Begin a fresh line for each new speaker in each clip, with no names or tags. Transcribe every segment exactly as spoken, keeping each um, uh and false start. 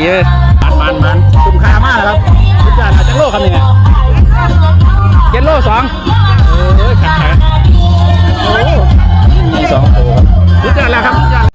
เอ้ยมันมันคุ้มค่ามากครับทุกอย่างอาจจะโลคำนี้เจ็ดโลสองเออขัดขาโอ้มีสองตัวทุกอย่างแล้วครับทุกอย่าง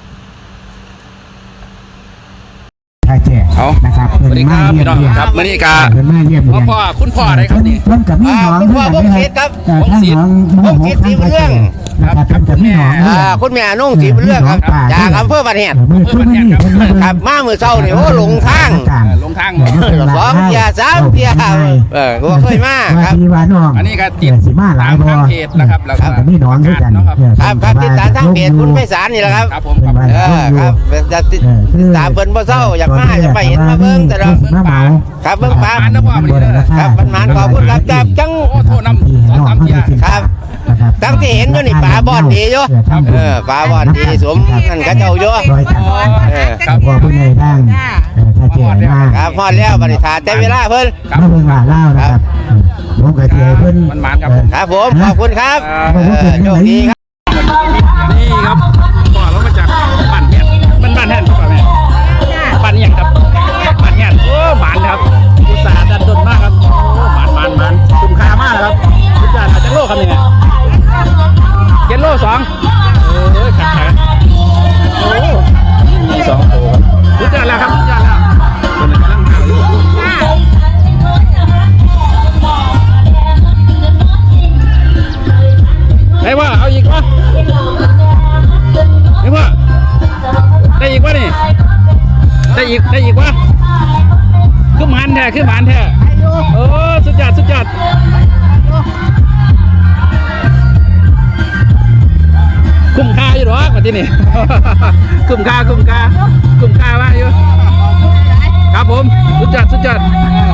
ท่าแก่นะครับ
สวัสดีครับพี่น้องครับมื่อนี้กาพ่อพ่อคุณพ่ออะไรครับนี่
เพิ่นกับพี่น้องเพื่อนนะครับท่านน้องมโหสีเรื่องนะครับเพิ่นกับพี่น้อง
คุณแม่นุ่งสีเรื่องครับจากอำเภอบ้านแหนครับมาเมื่อเช้านี่โอ้หลงทาง
ลงทาง
สองเทียสามเทียเออก็เคยมาครับ
อันนี้ก็ติด
สีมาหลายบ่
เพจนะครับแล้วก็
พี่น้องด้วยกัน
ครับครับติดตามทางเพจคุณไพศาลนี่แหละครับ
ครับผม
เออครับจะติดตามเพิ่นบ่เศร้าอยากมาจะไปเห็นมาเบิ่งแต่เราครับเบิ่งปลาครับมันมันขอบคุณครับจับจัง
โอ้โทษน้ำสองสามเทีย
ครับตั้งที่เห็นอยู่นี่ปลาบอดดีอยู่เออปลาบอดดีสมนั่นกระเจ้าอยู่
เออครับพอผู้ใหญ่บ้างถ้าเจอมา
ครับพอแล้วบริษัทแต่เวลาเพิ่น
มาเพิ่งว่าเล่านะครับผมกับเจเพิ่น
มันมันครับ
ครับผมขอบคุณครับโชคดีครับ
นี่ครับต่อลงมาจากบ้านแห่นมันบ้านแห่นครับแม่บ้านยังครับบ้านแห่นโอ้หมันครับอุตสาห์ดันดนมากครับโอ้หมันมันมันคุ้มค่ามากครับทุกอย่างอาจจะโลคำนี้เจ็ดโลสองเออขัดขาโอ้มีสองตัวทุกอย่างแล้วครับทุกอย่างแล้วคนกำลังหาอยู่ไอ้ว่าเอาอีกวะไอ้ว่าได้อีกวะนี่ได้อีกได้อีกวะขึ้นมันแท้ขึ้นมันแท้โอ้สุดยอดสุดยอดคุ้มค่าอยู่หรอกวันที่นี่คุ้มค่าคุ้มค่าคุ้มค่าว่าอยู่ครับผมสุดยอดสุดยอด